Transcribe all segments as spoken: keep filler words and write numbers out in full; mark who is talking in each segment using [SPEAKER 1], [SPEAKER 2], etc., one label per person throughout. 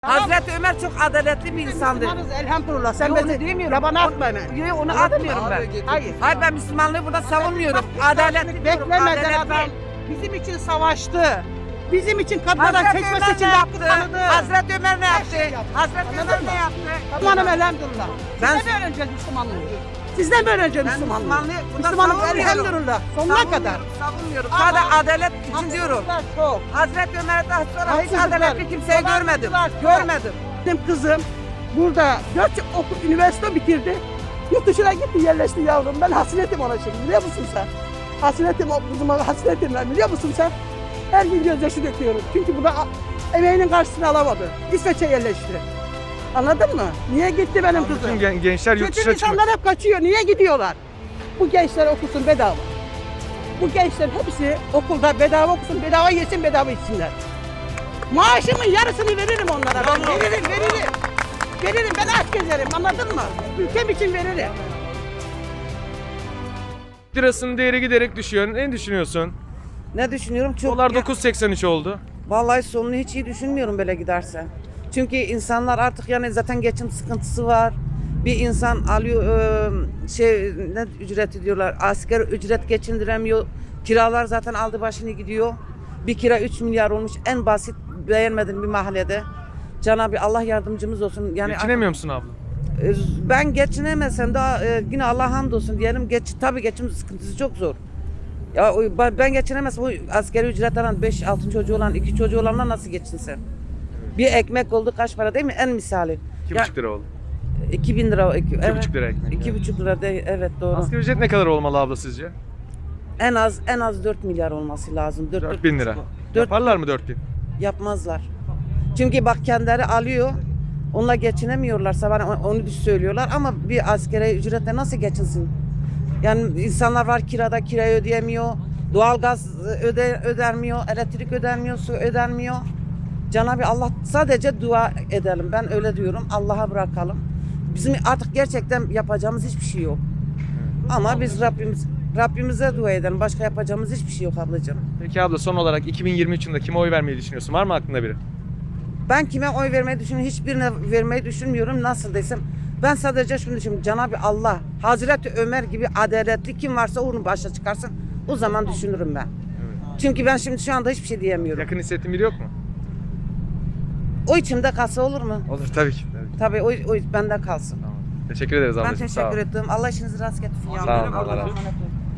[SPEAKER 1] Hazreti Ömer çok adaletli bir insandı.
[SPEAKER 2] Müslümanız elhamdülillah. Sen
[SPEAKER 1] Yo,
[SPEAKER 2] beni
[SPEAKER 1] onu demiyorum.
[SPEAKER 2] yabana
[SPEAKER 1] Onu-
[SPEAKER 2] atma hemen.
[SPEAKER 1] Yo, onu
[SPEAKER 2] Anladın
[SPEAKER 1] atmıyorum
[SPEAKER 2] mı?
[SPEAKER 1] ben.
[SPEAKER 2] Abi, Hayır.
[SPEAKER 1] Hayır ben Müslümanlığı burada savunmuyorum. Adaletli diyorum,
[SPEAKER 2] Beklemeden
[SPEAKER 1] adaletli.
[SPEAKER 2] adam bizim için savaştı. Bizim için kadınlara
[SPEAKER 1] Hazreti
[SPEAKER 2] seçmesi
[SPEAKER 1] Ömer
[SPEAKER 2] için
[SPEAKER 1] ne
[SPEAKER 2] de hakkı
[SPEAKER 1] yaptı?
[SPEAKER 2] tanıdı.
[SPEAKER 1] Hazreti Ömer ne yaptı?
[SPEAKER 2] şey yaptı.
[SPEAKER 1] Hazreti
[SPEAKER 2] Anladın
[SPEAKER 1] Ömer
[SPEAKER 2] mı?
[SPEAKER 1] ne yaptı?
[SPEAKER 2] Müslümanım elhamdülillah.
[SPEAKER 1] Ben-
[SPEAKER 2] Sizden mi öğreneceğiz Müslümanlığı? Sizden mi öğreneceğiz
[SPEAKER 1] Ben
[SPEAKER 2] Müslümanlığı?
[SPEAKER 1] Müslümanlığı burada
[SPEAKER 2] Müslümanlık
[SPEAKER 1] savunmuyorum.
[SPEAKER 2] elhamdülillah. Sonuna
[SPEAKER 1] Savunmuyorum,
[SPEAKER 2] kadar.
[SPEAKER 1] Savunmuyorum.
[SPEAKER 2] Ama-
[SPEAKER 1] Sadece adalet için diyorum.
[SPEAKER 2] Haksızlıklar çok.
[SPEAKER 1] Hazreti Ömer'den sonra hiç
[SPEAKER 2] Haksızlıklar,
[SPEAKER 1] adaletli kimseyi görmedim.
[SPEAKER 2] dolandırıcılar çok.
[SPEAKER 1] Görmedim.
[SPEAKER 2] Benim kızım burada dört yıl okul, üniversite bitirdi. Yurt dışına gitti yerleşti yavrum. Ben hasretim ona şimdi biliyor musun sen? Hasretim o kızıma hasretim ben biliyor musun sen? Her gün gözyaşı döküyorum. Çünkü burada a- emeğinin karşısını alamadı. İsveç'e yerleşti. Anladın mı? Niye gitti benim
[SPEAKER 3] Bütün
[SPEAKER 2] kızım?
[SPEAKER 3] gen- gençler yurt
[SPEAKER 2] Kötü
[SPEAKER 3] dışına çıkmak.
[SPEAKER 2] insanlar hep kaçıyor. Niye gidiyorlar? Bu gençler okusun bedava. Bu gençler hepsi okulda bedava okusun, bedava yesin, bedava içsinler. Maaşımın yarısını veririm onlara. Ben veririm, veririm. Veririm, ben aç gezerim, anladın mı? Ülkem için veririm.
[SPEAKER 3] Lirasının değeri giderek düşüyor. Ne düşünüyorsun?
[SPEAKER 1] Ne düşünüyorum? Çok
[SPEAKER 3] Dolar dokuz seksen üç oldu.
[SPEAKER 1] Vallahi sonunu hiç iyi düşünmüyorum böyle giderse. Çünkü insanlar artık yani zaten geçim sıkıntısı var. Bir insan alıyor e, şey ne ücreti diyorlar. Asgari ücret geçindiremiyor. Kiralar zaten aldı başını gidiyor. Bir kira üç milyar olmuş en basit beğenmedim bir mahallede. Cenab-ı Allah yardımcımız olsun. Yani
[SPEAKER 3] Geçinemiyor musun abla?
[SPEAKER 1] e, ben geçinemesem de e, yine Allah hamdolsun diyelim. Geç tabii geçim sıkıntısı çok zor. Ya o- ben ben geçinemezsem bu asgari ücret alan beş altı çocuğu olan iki çocuğu olanlar nasıl geçinsin? Bir ekmek oldu kaç para değil mi? En misali.
[SPEAKER 3] iki
[SPEAKER 1] Ya,
[SPEAKER 3] buçuk lira oldu.
[SPEAKER 1] iki bin lira. Iki,
[SPEAKER 3] iki buçuk lira ekmek.
[SPEAKER 1] iki buçuk lira değil, evet doğru.
[SPEAKER 3] Asgari ücret ne kadar olmalı abla sizce?
[SPEAKER 1] En az en az dört milyar olması lazım. dört
[SPEAKER 3] dört bin lira.
[SPEAKER 1] Dört-
[SPEAKER 3] Yaparlar mı dört bin?
[SPEAKER 1] Yapmazlar. Çünkü bak kendileri alıyor. Onunla geçinemiyorlarsa bana onu söylüyorlar ama bir asgari ücretle nasıl geçinsin? Yani insanlar var kirada kirayı ödeyemiyor. Doğalgaz öde, ödenmiyor, elektrik ödenmiyor, su ödenmiyor. Cenab-ı Allah sadece dua edelim. Ben öyle diyorum. Allah'a bırakalım. Bizim artık gerçekten yapacağımız hiçbir şey yok. Ama biz Rabbimiz Rabbimize dua edelim. Başka yapacağımız hiçbir şey yok ablacığım.
[SPEAKER 3] Peki abla son olarak iki bin yirmi üç yılında kime oy vermeyi düşünüyorsun? Var mı aklında biri?
[SPEAKER 1] Ben kime oy vermeyi düşünüyorum? Hiçbirine vermeyi düşünmüyorum. Nasıl desem? Ben sadece şunu düşünüyorum. Cenab-ı Allah, Hazreti Ömer gibi adaletli kim varsa onu başa çıkarsın. O zaman düşünürüm ben. Çünkü ben şimdi şu anda hiçbir şey diyemiyorum.
[SPEAKER 3] Yakın hissettiğin biri yok mu?
[SPEAKER 1] O içimde kalsa olur mu?
[SPEAKER 3] Olur tabii ki. Tabii ki.
[SPEAKER 1] Tabii o, o bende kalsın.
[SPEAKER 3] Tamam. Teşekkür ederiz
[SPEAKER 1] Ben
[SPEAKER 3] ablacığım. Sağ ol.
[SPEAKER 1] teşekkür ettim. Allah işinizi rast getirsin.
[SPEAKER 3] Sağ olun, Allah razı olsun.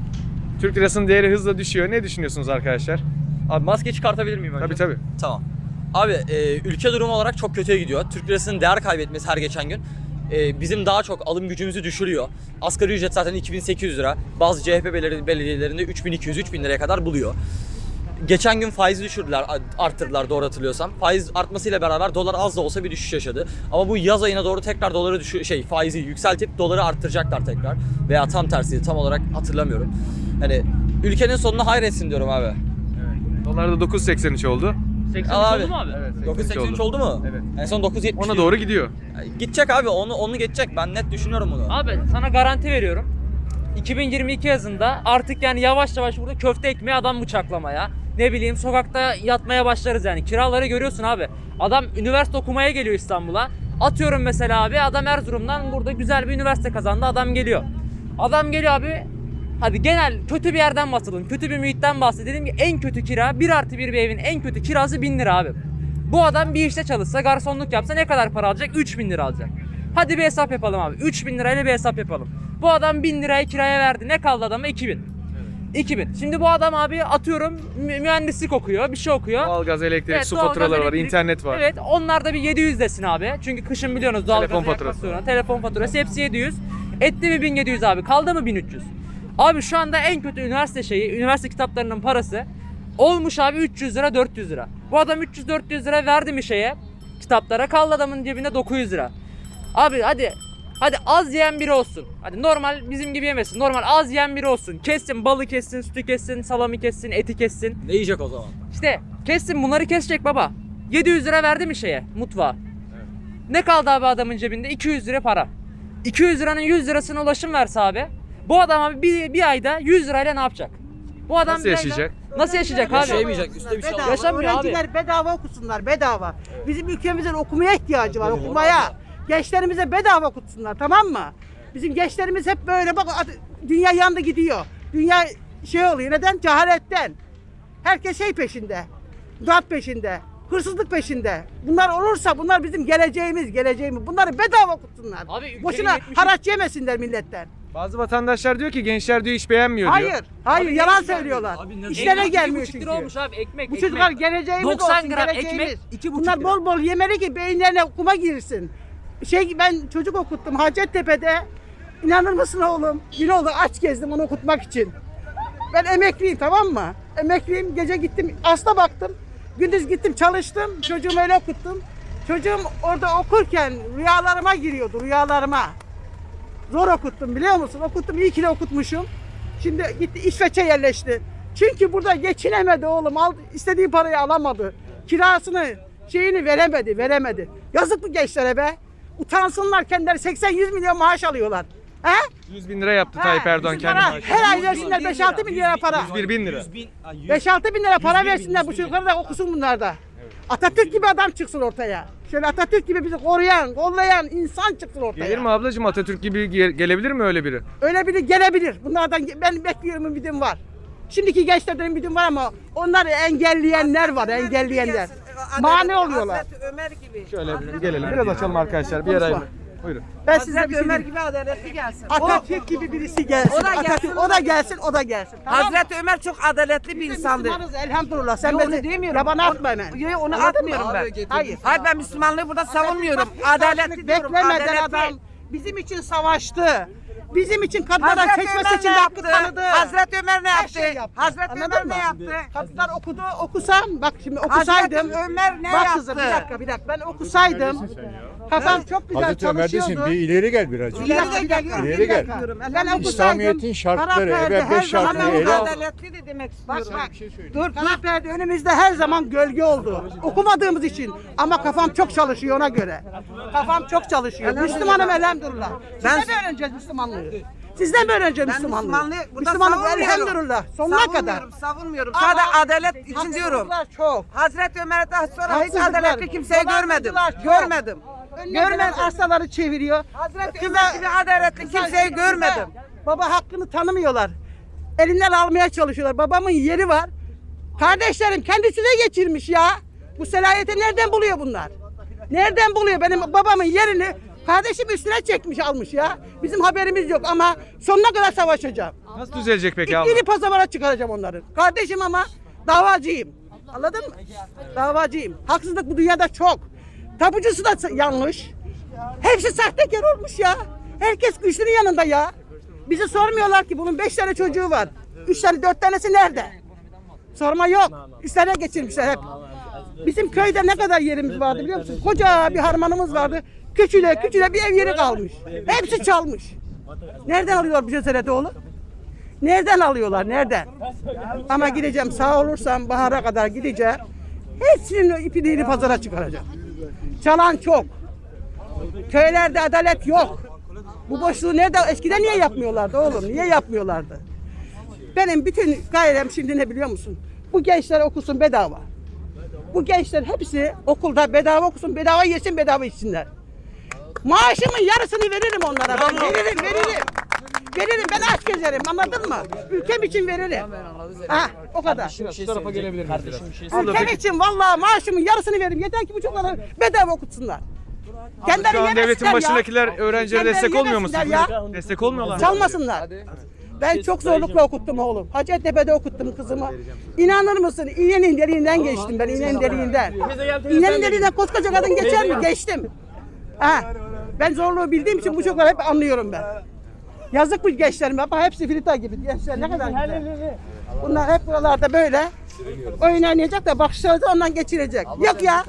[SPEAKER 3] Türk lirasının değeri hızla düşüyor. Ne düşünüyorsunuz arkadaşlar?
[SPEAKER 4] Abi maske çıkartabilir miyim önce?
[SPEAKER 3] Tabii tabii.
[SPEAKER 4] Tamam. Abi e, ülke durumu olarak çok kötüye gidiyor. Türk lirasının değer kaybetmesi her geçen gün e, bizim daha çok alım gücümüzü düşürüyor. Asgari ücret zaten iki bin sekiz yüz lira. Bazı C H P beleri- belediyelerinde üç bin iki yüz üç bin liraya kadar buluyor. Geçen gün faizi düşürdüler, arttırdılar doğru hatırlıyorsam. Faiz artmasıyla beraber dolar az da olsa bir düşüş yaşadı. Ama bu yaz ayına doğru tekrar doları düşü şey faizi yükseltip doları arttıracaklar tekrar. Veya tam tersi tam olarak hatırlamıyorum. Hani ülkenin sonuna hayretsin diyorum abi.
[SPEAKER 3] Dolar da dokuz seksen üç oldu.
[SPEAKER 5] seksen
[SPEAKER 4] Al
[SPEAKER 5] üç
[SPEAKER 4] abi.
[SPEAKER 5] oldu mu abi?
[SPEAKER 3] Evet,
[SPEAKER 4] dokuz seksen üç oldu mu?
[SPEAKER 3] Evet.
[SPEAKER 4] En son dokuz yetmiş.
[SPEAKER 3] Ona doğru gidiyor.
[SPEAKER 4] Gidecek abi onu onu geçecek. Ben net düşünüyorum bunu.
[SPEAKER 5] Abi sana garanti veriyorum. iki bin yirmi iki yazında artık yani yavaş yavaş burada köfte ekmeği adam bıçaklamaya. Ne bileyim sokakta yatmaya başlarız yani. Kiraları görüyorsun abi. Adam üniversite okumaya geliyor İstanbul'a. Atıyorum mesela abi adam Erzurum'dan burada güzel bir üniversite kazandı. Adam geliyor. Adam geliyor abi. Hadi genel kötü bir yerden bahsedelim. Kötü bir muhitten bahsedelim ki en kötü kira bir artı bir bir evin en kötü kirası bin lira abi. Bu adam bir işte çalışsa garsonluk yapsa ne kadar para alacak? üç bin lira alacak. Hadi bir hesap yapalım abi. üç bin lirayla bir hesap yapalım. Bu adam bin lirayı kiraya verdi. Ne kaldı adama? iki bin. iki bin. Şimdi bu adam abi atıyorum mü- mühendislik okuyor, bir şey okuyor.
[SPEAKER 3] Doğalgaz, elektrik,
[SPEAKER 5] Evet,
[SPEAKER 3] su
[SPEAKER 5] doğalgaz,
[SPEAKER 3] faturaları var,
[SPEAKER 5] elektrik.
[SPEAKER 3] internet var.
[SPEAKER 5] Evet, onlar da bir yedi yüz desin abi. Çünkü kışın biliyorsunuz doğalgaz
[SPEAKER 3] Telefon faturası
[SPEAKER 5] yaklaşıyor. Telefon faturası hepsi yedi yüz. Etti mi bin yedi yüz abi? Kaldı mı bin üç yüz? Abi şu anda en kötü üniversite şeyi, üniversite kitaplarının parası olmuş abi üç yüz lira, dört yüz lira. Bu adam üç yüz dört yüz lira verdi mi şeye, kitaplara, kaldı adamın cebinde dokuz yüz lira. Abi hadi Hadi az yiyen biri olsun. Hadi normal bizim gibi yemesin. Normal az yiyen biri olsun. Kessin, balı kessin, sütü kessin, salamı kessin, eti kessin.
[SPEAKER 4] Ne yiyecek o zaman?
[SPEAKER 5] İşte kessin bunları kesecek baba. yedi yüz lira verdi mi şeye, mutfağa? Ne kaldı abi adamın cebinde? iki yüz lira para. iki yüz liranın yüz lirasına ulaşım verse abi. Bu adam abi bir, bir ayda yüz lirayla ne yapacak? Bu adam
[SPEAKER 3] Nasıl
[SPEAKER 5] bir ayda-
[SPEAKER 3] yaşayacak?
[SPEAKER 5] Nasıl yaşayacak abi?
[SPEAKER 4] Yaşayamayacak, üstte bir şey
[SPEAKER 2] Bedava.
[SPEAKER 4] alacak.
[SPEAKER 5] Yaşamıyor abi.
[SPEAKER 2] Öğrenciler bedava okusunlar, bedava. Bizim ülkemizin okumaya ihtiyacı var, okumaya. Gençlerimize bedava okutsunlar, tamam mı? Bizim gençlerimiz hep böyle bak, dünya yandı gidiyor. Dünya şey oluyor, neden? Cehaletten. Herkes şey peşinde, darp peşinde, hırsızlık peşinde. Bunlar olursa bunlar bizim geleceğimiz, geleceğimiz. Bunları bedava okutsunlar.
[SPEAKER 5] Abi ülkenin
[SPEAKER 2] Boşuna
[SPEAKER 5] yetmiş
[SPEAKER 2] haraç yemesinler milletten.
[SPEAKER 3] Bazı vatandaşlar diyor ki gençler diyor hiç beğenmiyor diyor.
[SPEAKER 2] Hayır, hayır
[SPEAKER 5] Abi
[SPEAKER 2] yalan
[SPEAKER 5] ne-
[SPEAKER 2] söylüyorlar.
[SPEAKER 4] Abi ne-
[SPEAKER 2] İşlerine
[SPEAKER 5] Ekmek
[SPEAKER 2] gelmiyor
[SPEAKER 5] iki buçuk
[SPEAKER 2] çünkü.
[SPEAKER 5] lira olmuş abi ekmek.
[SPEAKER 2] Bu
[SPEAKER 5] ekmek.
[SPEAKER 2] çocuklar geleceğimiz
[SPEAKER 5] doksan
[SPEAKER 2] olsun,
[SPEAKER 5] gram
[SPEAKER 2] geleceğimiz.
[SPEAKER 5] ekmek, iki buçuk
[SPEAKER 2] Bunlar
[SPEAKER 5] lira.
[SPEAKER 2] bol bol yemeli ki beyinlerine okuma girsin. Şey ben çocuk okuttum Hacettepe'de. İnanır mısın oğlum? Bir oldu aç gezdim onu okutmak için. Ben emekliyim, tamam mı? Emekliyim, gece gittim hasta baktım. Gündüz gittim çalıştım. Çocuğumu öyle okuttum. Çocuğum orada okurken rüyalarıma giriyordu, rüyalarıma. Zor okuttum biliyor musun? Okuttum, iyi ki de okutmuşum. Şimdi gitti İsveç'e yerleşti. Çünkü burada geçinemedi oğlum. Al, istediği parayı alamadı. Kirasını, şeyini veremedi, veremedi. Yazık bu gençlere be. Utansınlar kendileri seksen yüz milyon maaş alıyorlar. He?
[SPEAKER 3] yüz bin lira yaptı Tayyip
[SPEAKER 2] Ha,
[SPEAKER 3] Erdoğan
[SPEAKER 2] yüz
[SPEAKER 3] kendi
[SPEAKER 2] para,
[SPEAKER 3] maaşını.
[SPEAKER 2] her ay versinler beş altı bin lira para.
[SPEAKER 3] yüz bir bin lira.
[SPEAKER 2] beş altı bin lira para versinler bu çocuklara da okusun bunlar da. Atatürk gibi adam çıksın ortaya. Şöyle Atatürk gibi bizi koruyan, kollayan insan çıksın ortaya.
[SPEAKER 3] Gelir mi ablacığım Atatürk gibi ge- gelebilir mi öyle biri?
[SPEAKER 2] Öyle biri gelebilir. Bunlardan ben bekliyorum, ümidim var. Şimdiki gençlerden ümidim var ama onları engelleyenler var, engelleyenler. Mani oluyorlar.
[SPEAKER 1] Hazreti Ömer gibi.
[SPEAKER 3] Şöyle bir gelelim. Biraz açalım arkadaşlar bir yer ayrı. Buyurun.
[SPEAKER 2] Ben size bir
[SPEAKER 1] Hazreti
[SPEAKER 2] şey
[SPEAKER 1] Ömer
[SPEAKER 2] diyeyim.
[SPEAKER 1] gibi adaletli gelsin.
[SPEAKER 2] Atatürk gibi birisi gelsin.
[SPEAKER 1] O da gelsin,
[SPEAKER 2] Atatürk,
[SPEAKER 1] o
[SPEAKER 2] o
[SPEAKER 1] da
[SPEAKER 2] da gelsin, o da gelsin. Tamam mı?
[SPEAKER 1] Hazreti Ömer çok adaletli bir
[SPEAKER 2] Biz de
[SPEAKER 1] insandı.
[SPEAKER 2] Müslümanız elhamdülillah. Sen
[SPEAKER 1] Yo,
[SPEAKER 2] beni
[SPEAKER 1] onu demiyorum.
[SPEAKER 2] yabana atma hemen.
[SPEAKER 1] Yo, yo, onu
[SPEAKER 2] Anladın
[SPEAKER 1] atmıyorum
[SPEAKER 2] mı?
[SPEAKER 1] ben.
[SPEAKER 2] Hayır.
[SPEAKER 1] Hayır ben Müslümanlığı burada savunmuyorum.
[SPEAKER 2] Bak,
[SPEAKER 1] Adaletli diyorum.
[SPEAKER 2] beklemeden
[SPEAKER 1] Adaletli.
[SPEAKER 2] adam bizim için savaştı. Bizim için kadınlara
[SPEAKER 1] Hazreti
[SPEAKER 2] seçme
[SPEAKER 1] Ömer ne
[SPEAKER 2] seçimde hakkı
[SPEAKER 1] yaptı?
[SPEAKER 2] tanıdı.
[SPEAKER 1] Hazreti Ömer ne
[SPEAKER 2] Her
[SPEAKER 1] yaptı?
[SPEAKER 2] şeyi yaptı.
[SPEAKER 1] Hazreti
[SPEAKER 2] Anladın
[SPEAKER 1] Ömer
[SPEAKER 2] mı?
[SPEAKER 1] ne yaptı?
[SPEAKER 2] Kadınlar okudu, okusam, bak şimdi okusaydım.
[SPEAKER 1] Hazreti Ömer ne
[SPEAKER 2] bak
[SPEAKER 1] yaptı?
[SPEAKER 2] kızım bir dakika bir dakika ben okusaydım. Kafam çok güzel
[SPEAKER 6] Hazreti Ömer desin
[SPEAKER 2] çalışıyordu.
[SPEAKER 6] bir ileri gel birazcık.
[SPEAKER 2] Bir dakika, bir dakika,
[SPEAKER 6] İleri
[SPEAKER 2] bir
[SPEAKER 6] gel.
[SPEAKER 2] dakika. Ben okusaydım.
[SPEAKER 6] İslamiyet'in şartları,
[SPEAKER 2] kara perde
[SPEAKER 6] evet, beş
[SPEAKER 2] her zaman
[SPEAKER 6] şartını
[SPEAKER 2] oldu.
[SPEAKER 6] ele al.
[SPEAKER 1] Adaletli de demek
[SPEAKER 2] Bak
[SPEAKER 1] istiyorum.
[SPEAKER 2] bak. Dur, kara perde önümüzde her zaman gölge oldu. Okumadığımız için. Ama kafam çok çalışıyor ona göre. Kafam çok çalışıyor. Müslümanım elhamdülillah. Sizden mi öğreneceğiz Müslümanlığı? Sizden mi öğreneceğiz
[SPEAKER 1] Ben
[SPEAKER 2] Müslümanlığı?
[SPEAKER 1] Müslümanlığı burada
[SPEAKER 2] Müslümanlık
[SPEAKER 1] savunmuyorum.
[SPEAKER 2] elhamdülillah. Sonuna kadar.
[SPEAKER 1] Savunmuyorum, savunmuyorum.
[SPEAKER 2] Ama
[SPEAKER 1] Sadece adalet için diyorum.
[SPEAKER 2] haksızlıklar çok.
[SPEAKER 1] Hazreti Ömer'den sonra hiç
[SPEAKER 2] Haksızlıklar,
[SPEAKER 1] adaletli kimseyi görmedim.
[SPEAKER 2] dolandırıcılar çok.
[SPEAKER 1] Görmedim.
[SPEAKER 2] Görmeden
[SPEAKER 1] Görmedim.
[SPEAKER 2] arsaları çeviriyor.
[SPEAKER 1] Hazreti
[SPEAKER 2] Kıza-
[SPEAKER 1] Ömer gibi adaletli
[SPEAKER 2] kıza-
[SPEAKER 1] kimseyi
[SPEAKER 2] kıza
[SPEAKER 1] görmedim.
[SPEAKER 2] Baba hakkını tanımıyorlar. Elinden almaya çalışıyorlar. Babamın yeri var. Kardeşlerim kendisine geçirmiş ya. Bu selayeti nereden buluyor bunlar? Nereden buluyor benim babamın yerini? Kardeşim üstüne çekmiş almış ya. Bizim haberimiz yok ama sonuna kadar savaşacağım.
[SPEAKER 3] Nasıl düzelecek peki abla?
[SPEAKER 2] İpini pazara çıkaracağım onları. Kardeşim ama davacıyım. Anladın mı? Davacıyım. Haksızlık bu dünyada çok. Tapucusu da yanlış. Hepsi sahtekar olmuş ya. Herkes güçlünün yanında ya. Bizi sormuyorlar ki bunun beş tane çocuğu var. Üç tane, dört tanesi nerede? Sorma yok. Üstlerine geçirmişler hep. Bizim köyde ne kadar yerimiz vardı biliyor musun? Koca bir harmanımız vardı. Küçüle küçüle bir ev yeri kalmış. Hepsi çalmış. Nereden alıyorlar bu cesareti oğlum? Nereden alıyorlar? Nereden? Ama gideceğim sağ olursam bahara kadar gideceğim. Hepsinin ipini pazara çıkaracağım. Çalan çok. Köylerde adalet yok. Bu boşluğu nerede? Eskiden niye yapmıyorlardı oğlum? Niye yapmıyorlardı? Benim bütün gayrem şimdi ne biliyor musun? Bu gençler okusun bedava. Bu gençler hepsi okulda bedava okusun, bedava yesin, bedava içsinler. Maaşımın yarısını veririm onlara. Ben veririm, veririm. Veririm, ben aç gezerim, anladın mı? Ülkem için veririm. Ha, o kadar.
[SPEAKER 3] Şu tarafa gelebilir miyiz biraz? Abla
[SPEAKER 2] Ülkem
[SPEAKER 3] peki
[SPEAKER 2] için vallahi maaşımın yarısını veririm. Yeter ki bu çocukları bedava okutsunlar. Kendileri
[SPEAKER 3] şu an
[SPEAKER 2] yemesinler
[SPEAKER 3] devletin
[SPEAKER 2] ya.
[SPEAKER 3] başındakiler öğrencilere
[SPEAKER 2] Kendileri
[SPEAKER 3] destek olmuyor mu
[SPEAKER 2] yemesinler
[SPEAKER 3] sizce?
[SPEAKER 2] ya.
[SPEAKER 3] Destek olmuyorlar mı?
[SPEAKER 2] Çalmasınlar. Ben çok zorlukla okuttum oğlum. Hacettepe'de okuttum kızımı. İnanır mısın? İğnenin deliğinden geçtim ben, iğnenin deliğinden. İğnenin deliğinden koskoca kadın geçer mi? Geçtim. Ha. Ben zorluğu bildiğim için bu çocukları hep anlıyorum ben. Yazık bu gençlerime. Bak hepsi filita gibi. Gençler ne kadar güzel. Bunlar hep buralarda böyle oyun oynayacak da bakışları ondan geçirecek. Yok ya.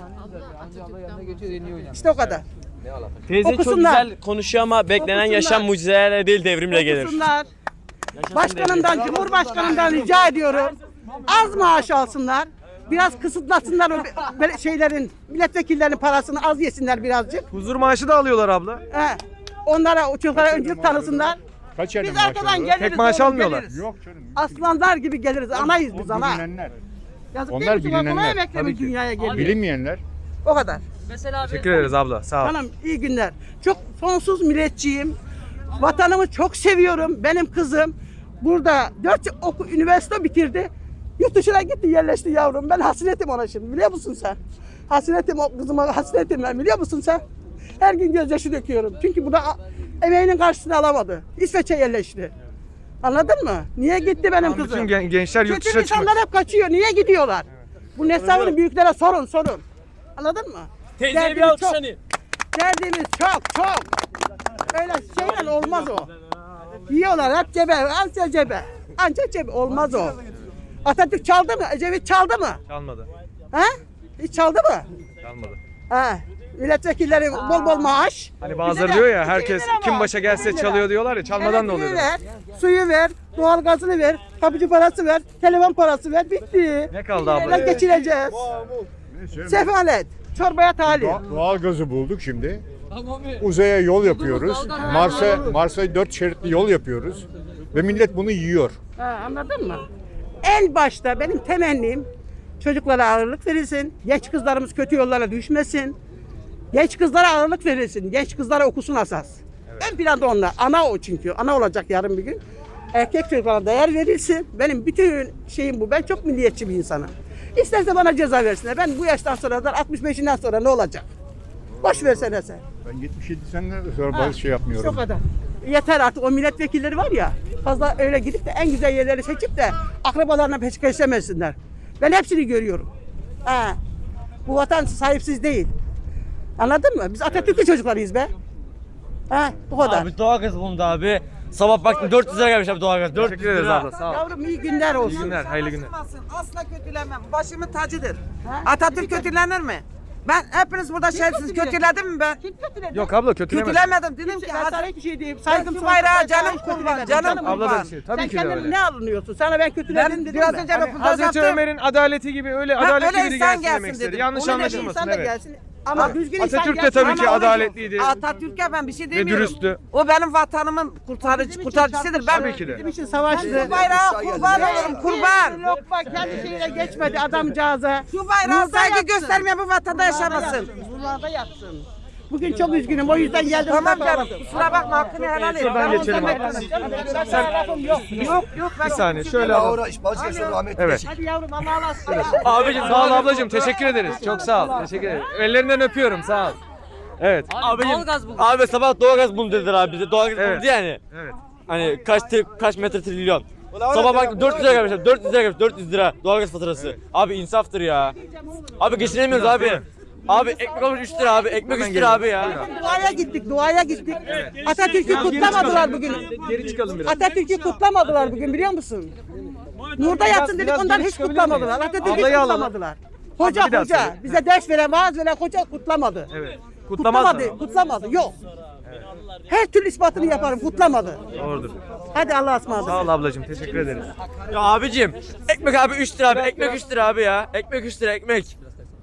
[SPEAKER 2] İşte o kadar.
[SPEAKER 7] Teyze
[SPEAKER 2] Okusunlar.
[SPEAKER 7] çok güzel konuşuyor ama beklenen
[SPEAKER 2] Okusunlar.
[SPEAKER 7] yaşam mucizelerle değil devrimle gelir.
[SPEAKER 2] Okusunlar. Başkanımdan, Cumhurbaşkanımdan rica ediyorum. Az maaş alsınlar. Biraz kısıtlasınlar o be- şeylerin, milletvekillerinin parasını az yesinler birazcık.
[SPEAKER 3] Huzur maaşı da alıyorlar abla.
[SPEAKER 2] He. Onlara, o çocuklara öncülük tanısınlar.
[SPEAKER 6] Kaç yerde
[SPEAKER 2] Biz
[SPEAKER 6] maaş
[SPEAKER 2] arkadan
[SPEAKER 6] alıyorlar?
[SPEAKER 2] geliriz.
[SPEAKER 3] Tek maaş
[SPEAKER 2] doğru
[SPEAKER 3] almıyorlar.
[SPEAKER 2] geliriz.
[SPEAKER 6] Yok canım.
[SPEAKER 2] Aslanlar gibi geliriz. Anayız
[SPEAKER 6] O
[SPEAKER 2] biz ana.
[SPEAKER 6] bilinenler.
[SPEAKER 2] Yazık
[SPEAKER 6] Onlar
[SPEAKER 2] değil mi? Kolay
[SPEAKER 6] bilinenler.
[SPEAKER 2] emekle
[SPEAKER 3] Tabii
[SPEAKER 2] mi
[SPEAKER 3] ki.
[SPEAKER 2] dünyaya geliyor?
[SPEAKER 6] Bilinmeyenler.
[SPEAKER 2] O kadar.
[SPEAKER 5] Mesela abi
[SPEAKER 3] Teşekkür ederiz abla. Sağ ol.
[SPEAKER 2] Hanım iyi günler. Çok sonsuz milletçiyim. Vatanımı çok seviyorum. Benim kızım burada dört oku, üniversite bitirdi. Yurt dışına gitti yerleşti yavrum. Ben hasretim ona şimdi biliyor musun sen? Hasretim o kızıma hasretim ben biliyor musun sen? Her gün gözyaşı döküyorum. Çünkü burada a- emeğinin karşısını alamadı. İsveç'e yerleşti. Anladın mı? Niye gitti benim
[SPEAKER 3] Bütün
[SPEAKER 2] kızım?
[SPEAKER 3] gen- gençler yurt
[SPEAKER 2] Kötü
[SPEAKER 3] dışına çıkmak.
[SPEAKER 2] insanlar hep kaçıyor. Niye gidiyorlar? Bu Neslihan'ın büyüklere sorun sorun. Anladın mı?
[SPEAKER 7] Teyzeye bir
[SPEAKER 2] Derdimiz
[SPEAKER 7] alkış
[SPEAKER 2] çok.
[SPEAKER 7] hani.
[SPEAKER 2] Derdimiz çok çok. Öyle şeyler olmaz o. Yiyorlar hep cebe, anca cebe. Ancak cebe olmaz o. Atatürk çaldı mı? Ecevit çaldı mı?
[SPEAKER 3] Çalmadı.
[SPEAKER 2] He? Hiç çaldı mı?
[SPEAKER 3] Çalmadı.
[SPEAKER 2] He. Milletvekilleri bol bol maaş.
[SPEAKER 3] Hani bazıları
[SPEAKER 2] Bize de
[SPEAKER 3] diyor ya
[SPEAKER 2] iki
[SPEAKER 3] herkes
[SPEAKER 2] bin lira
[SPEAKER 3] kim
[SPEAKER 2] maaş,
[SPEAKER 3] başa gelse
[SPEAKER 2] iki bin lira.
[SPEAKER 3] çalıyor diyorlar ya çalmadan da oluyor.
[SPEAKER 2] Elektriği ver, suyu ver, doğalgazını ver, kapıcı parası ver, telefon parası ver, bitti.
[SPEAKER 3] Ne kaldı abla?
[SPEAKER 2] Neyle geçireceğiz? Sefalet, çorbaya talip.
[SPEAKER 6] Doğa- Doğal gazı bulduk şimdi. Uzaya yol yapıyoruz. Mars'a Mars'a dört şeritli yol yapıyoruz. Ve millet bunu yiyor.
[SPEAKER 2] Ha, anladın mı? En başta benim temennim çocuklara ağırlık verilsin. Genç kızlarımız kötü yollara düşmesin. Genç kızlara ağırlık verilsin. Genç kızlara okusun asas. Ön planda onlar. Ana o çünkü. Ana olacak yarın bir gün. Erkek çocuklara değer verilsin. Benim bütün şeyim bu. Ben çok milliyetçi bir insanım. İsterse bana ceza versinler. Ben bu yaştan sonra da altmış beşinden sonra ne olacak? Boş versene sen.
[SPEAKER 6] Ben yetmiş yedi seneden sonra
[SPEAKER 2] Ha,
[SPEAKER 6] bazı şey yapmıyorum.
[SPEAKER 2] işte o kadar. Yeter artık o milletvekilleri var ya fazla öyle gidip de en güzel yerleri seçip de akrabalarına peşkeşlemesinler. Ben hepsini görüyorum. Ha. Bu vatan sahipsiz değil. Anladın mı? Biz Atatürk'ün çocuklarıyız be. Ha, bu kadar.
[SPEAKER 7] Abi doğalgaz bulundu abi. Sabah baktım dört yüz lira gelmiş abi doğalgaz. dört yüz
[SPEAKER 3] Teşekkür ederiz
[SPEAKER 7] lira.
[SPEAKER 3] abla. Sağ ol.
[SPEAKER 2] Yavrum iyi günler olsun.
[SPEAKER 3] İyi günler, hayırlı günler.
[SPEAKER 1] Asla kötülemem. Başımın tacıdır. Atatürk kötülenir mi? Ben hepiniz burada şerefsiz
[SPEAKER 2] kötüledi?
[SPEAKER 1] kötüledim mi ben?
[SPEAKER 2] Kim kötüledi?
[SPEAKER 3] Yok abla kötülemedim.
[SPEAKER 1] Kötülemedim. Dedim ki
[SPEAKER 2] Ben sana
[SPEAKER 1] hadi.
[SPEAKER 2] hiçbir şey diyeyim.
[SPEAKER 1] Ben
[SPEAKER 2] Saygım
[SPEAKER 1] şu
[SPEAKER 2] sonsuz.
[SPEAKER 1] bayrağa
[SPEAKER 2] Ben sana
[SPEAKER 1] canım
[SPEAKER 2] hiç
[SPEAKER 1] kurban,
[SPEAKER 2] kötülemedim.
[SPEAKER 1] canım
[SPEAKER 3] Abla da
[SPEAKER 1] kurban.
[SPEAKER 3] bir şey.
[SPEAKER 2] Sen
[SPEAKER 3] Tabii ki de
[SPEAKER 2] kendini
[SPEAKER 3] öyle.
[SPEAKER 2] ne alınıyorsun? Sana ben kötüledim
[SPEAKER 1] Ben
[SPEAKER 2] dedim
[SPEAKER 1] biraz
[SPEAKER 2] mi?
[SPEAKER 1] önce
[SPEAKER 3] Hani
[SPEAKER 1] röportaj
[SPEAKER 3] Hazreti
[SPEAKER 1] yaptım.
[SPEAKER 3] Ömer'in adaleti gibi öyle
[SPEAKER 1] Ha,
[SPEAKER 3] adaletli
[SPEAKER 1] öyle
[SPEAKER 3] biri
[SPEAKER 1] insan
[SPEAKER 3] gelsin
[SPEAKER 1] gelsin
[SPEAKER 3] demek istedi.
[SPEAKER 1] dedim.
[SPEAKER 3] Yanlış
[SPEAKER 2] Onu dedim,
[SPEAKER 3] anlaşılmasın
[SPEAKER 2] insan da
[SPEAKER 3] evet.
[SPEAKER 2] gelsin. Ama düzgün insan
[SPEAKER 3] Atatürk de
[SPEAKER 2] gelsin.
[SPEAKER 3] tabii ki
[SPEAKER 2] Ama
[SPEAKER 3] adaletliydi.
[SPEAKER 1] Atatürk'e ben bir şey
[SPEAKER 3] Ve
[SPEAKER 1] demiyorum.
[SPEAKER 3] dürüsttü.
[SPEAKER 1] O benim vatanımın kurtarıcı,
[SPEAKER 2] Bizim için
[SPEAKER 1] kurtarıcısıdır. Ben
[SPEAKER 3] Tabii ki de.
[SPEAKER 2] Bizim için savaştı.
[SPEAKER 1] şu bayrağa kurban olurum kurban.
[SPEAKER 2] Yok bak kendi şeyine geçmedi adamcağıza.
[SPEAKER 1] Şu bayrağa
[SPEAKER 2] Burada
[SPEAKER 1] saygı
[SPEAKER 2] yatsın.
[SPEAKER 1] göstermeyen bu vatanda yaşamasın.
[SPEAKER 2] Buralarda yatsın. Bugün çok üzgünüm o yüzden geldim.
[SPEAKER 1] Tamam
[SPEAKER 2] burada
[SPEAKER 1] canım.
[SPEAKER 2] bağladım.
[SPEAKER 1] Kusura bakma hakkını helal et.
[SPEAKER 3] Şuradan
[SPEAKER 1] Ben
[SPEAKER 3] geçelim
[SPEAKER 1] ondan
[SPEAKER 3] abi.
[SPEAKER 1] beklemem.
[SPEAKER 2] Ben sana lafım yok.
[SPEAKER 1] Yok yok. ben
[SPEAKER 3] Bir saniye
[SPEAKER 1] şey
[SPEAKER 3] şöyle
[SPEAKER 1] demiyorum.
[SPEAKER 3] alalım. Evet.
[SPEAKER 2] Hadi yavrum Allah'a emanet.
[SPEAKER 3] Abicim sağ ol ablacığım teşekkür ederiz. Çok sağ ol. Teşekkür ederim. Ellerinden öpüyorum sağ ol. Evet.
[SPEAKER 5] abi
[SPEAKER 7] Abicim,
[SPEAKER 5] doğalgaz buldu.
[SPEAKER 7] Abi sabah doğalgaz bulundu dediler abi bize. Doğalgaz
[SPEAKER 3] Evet.
[SPEAKER 7] bulundu yani.
[SPEAKER 3] Evet.
[SPEAKER 7] Hani kaç tri- kaç metre trilyon. Sabah baktım dört yüz lira gelmiş abi. dört yüz lira gelmiş. dört yüz lira doğalgaz faturası. Abi insaftır ya. Abi geçinemiyoruz abi. Abi ekmek olmuş üç lira abi. Ekmek üç lira abi ya.
[SPEAKER 2] Duaya gittik, duaya gittik. Atatürk'ü kutlamadılar bugün.
[SPEAKER 3] Geri çıkalım biraz.
[SPEAKER 2] Atatürk'ü kutlamadılar bugün biliyor musun? Nurda yatsın dedik
[SPEAKER 3] biraz
[SPEAKER 2] ondan
[SPEAKER 3] geri
[SPEAKER 2] hiç
[SPEAKER 3] çıkabilir
[SPEAKER 2] kutlamadılar.
[SPEAKER 3] miyiz?
[SPEAKER 2] Atatürk'ü
[SPEAKER 3] Ablayı alalım.
[SPEAKER 2] kutlamadılar. Hoca
[SPEAKER 3] Abla bir daha
[SPEAKER 2] hoca
[SPEAKER 3] söyle.
[SPEAKER 2] bize ders veren, vaaz veren hoca kutlamadı.
[SPEAKER 3] Evet. Kutlamaz
[SPEAKER 2] Kutlamadı,
[SPEAKER 3] mı?
[SPEAKER 2] kutlamadı. Yok. Her türlü ispatını yaparım, kutlamadı.
[SPEAKER 3] Doğrudur.
[SPEAKER 2] Hadi Allah'a ısmarladık.
[SPEAKER 3] Sağ ol ablacığım teşekkür ederiz.
[SPEAKER 7] Ya abicim ekmek abi üç lira abi. Ekmek üç lira abi ya. Ekmek üç lira ekmek.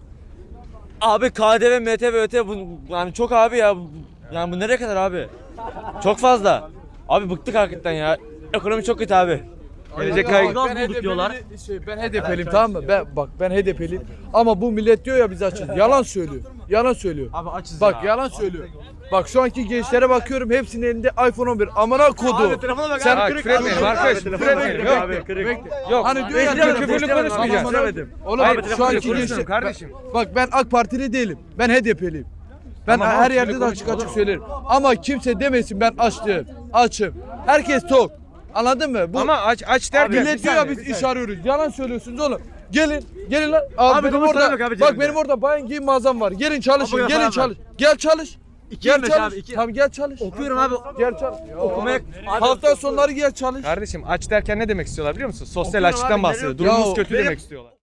[SPEAKER 7] Abi K D V, M T V, Ö T bu yani çok abi ya. Bu- Yani bu nereye kadar abi? Çok fazla. Abi bıktık hakikaten ya. Ekonomi çok kötü abi.
[SPEAKER 3] Gelecek kaygı.
[SPEAKER 7] Doğalgaz bulduk diyorlar.
[SPEAKER 8] Şey, ben H D P'liyim tamam mı? Ben bak ben H D P'liyim ama bu millet diyor ya biz açız. Yalan söylüyor. Yalan söylüyor.
[SPEAKER 7] Abi açız
[SPEAKER 8] Bak
[SPEAKER 7] ya.
[SPEAKER 8] yalan söylüyor. Bak şu anki gençlere bakıyorum hepsinin elinde iPhone on bir. Amına kodu.
[SPEAKER 7] Abi telefona bak
[SPEAKER 8] Sen
[SPEAKER 7] abi.
[SPEAKER 3] Ha,
[SPEAKER 8] kırık
[SPEAKER 3] küfür etmeyelim arkadaş. Küfür etmeyelim. Yok.
[SPEAKER 7] Abi kırık.
[SPEAKER 3] Yok.
[SPEAKER 8] Hani diyor ya
[SPEAKER 3] Küfürlü küfürlü
[SPEAKER 8] Tamam,
[SPEAKER 3] konuşmayacağız.
[SPEAKER 8] amına- Oğlum
[SPEAKER 3] Hayır,
[SPEAKER 8] şu anki
[SPEAKER 3] konuşuyorum
[SPEAKER 8] gençler
[SPEAKER 3] kardeşim.
[SPEAKER 8] Bak ben AK Partili değilim. Ben H D P'liyim. Ben
[SPEAKER 3] Tamam,
[SPEAKER 8] her
[SPEAKER 3] abi,
[SPEAKER 8] yerde
[SPEAKER 3] şöyle
[SPEAKER 8] de açık
[SPEAKER 3] konuş,
[SPEAKER 8] açık söylerim. Ama kimse demesin ben açtım. Açım. Herkes tok. Anladın mı? Bu
[SPEAKER 3] Ama aç aç derken.
[SPEAKER 8] millet diyor ya biz iş arıyoruz. Yalan söylüyorsunuz oğlum. Gelin, gelin lan. Abi,
[SPEAKER 7] Abi
[SPEAKER 8] benim
[SPEAKER 7] domuz
[SPEAKER 8] orada,
[SPEAKER 7] tane yok abi
[SPEAKER 8] bak
[SPEAKER 7] cebimde.
[SPEAKER 8] benim orada bayan giyim mağazam var. Gelin çalışın,
[SPEAKER 7] Abi,
[SPEAKER 8] gelin
[SPEAKER 7] falan
[SPEAKER 8] çalış. Gel çalış. Gel
[SPEAKER 7] yirmi beş
[SPEAKER 8] çalış.
[SPEAKER 7] abi, iki.
[SPEAKER 8] Tamam gel çalış.
[SPEAKER 7] Okuyorum abi.
[SPEAKER 8] Gel çalış.
[SPEAKER 7] Okumaya
[SPEAKER 8] Hafta sonları gel çalış.
[SPEAKER 3] Kardeşim aç derken ne demek istiyorlar biliyor musun? Sosyal
[SPEAKER 7] Okuyorum
[SPEAKER 3] açlıktan
[SPEAKER 7] abi,
[SPEAKER 3] bahsediyor.
[SPEAKER 7] nereye-
[SPEAKER 3] Durumumuz
[SPEAKER 8] Ya,
[SPEAKER 3] kötü
[SPEAKER 8] benim-
[SPEAKER 3] demek istiyorlar.